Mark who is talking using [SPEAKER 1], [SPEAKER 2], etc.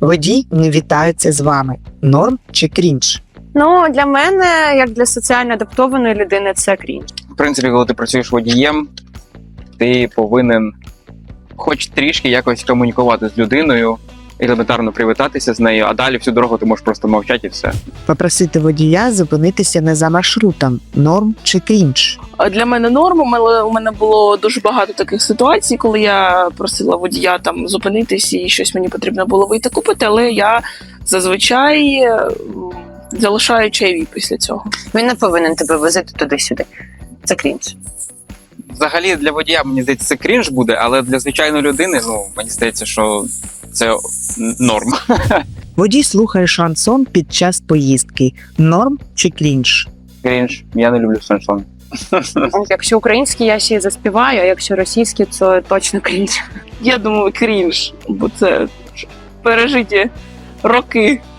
[SPEAKER 1] Водій не вітається з вами. Норм чи крінж?
[SPEAKER 2] Ну, для мене, як для соціально адаптованої людини, це крінж.
[SPEAKER 3] В принципі, коли ти працюєш водієм, ти повинен хоч трішки якось комунікувати з людиною, елементарно привітатися з нею, а далі всю дорогу ти можеш просто мовчати і все.
[SPEAKER 1] Попросити водія зупинитися не за маршрутом. Норм чи крінж?
[SPEAKER 4] Для мене норм, але у мене було дуже багато таких ситуацій, коли я просила водія там зупинитись і щось мені потрібно було вийти купити, але я зазвичай залишаю чайові після цього.
[SPEAKER 5] Він не повинен тебе возити туди-сюди. Це крінж.
[SPEAKER 3] Взагалі для водія, мені здається, це крінж буде, але для звичайної людини, мені здається, що це норм.
[SPEAKER 1] Водій слухає шансон під час поїздки. Норм чи крінж?
[SPEAKER 3] Крінж. Я не люблю шансон.
[SPEAKER 2] Якщо український, я ще й заспіваю, а якщо російський, то точно крінж.
[SPEAKER 4] Я думаю, крінж, бо це пережиті роки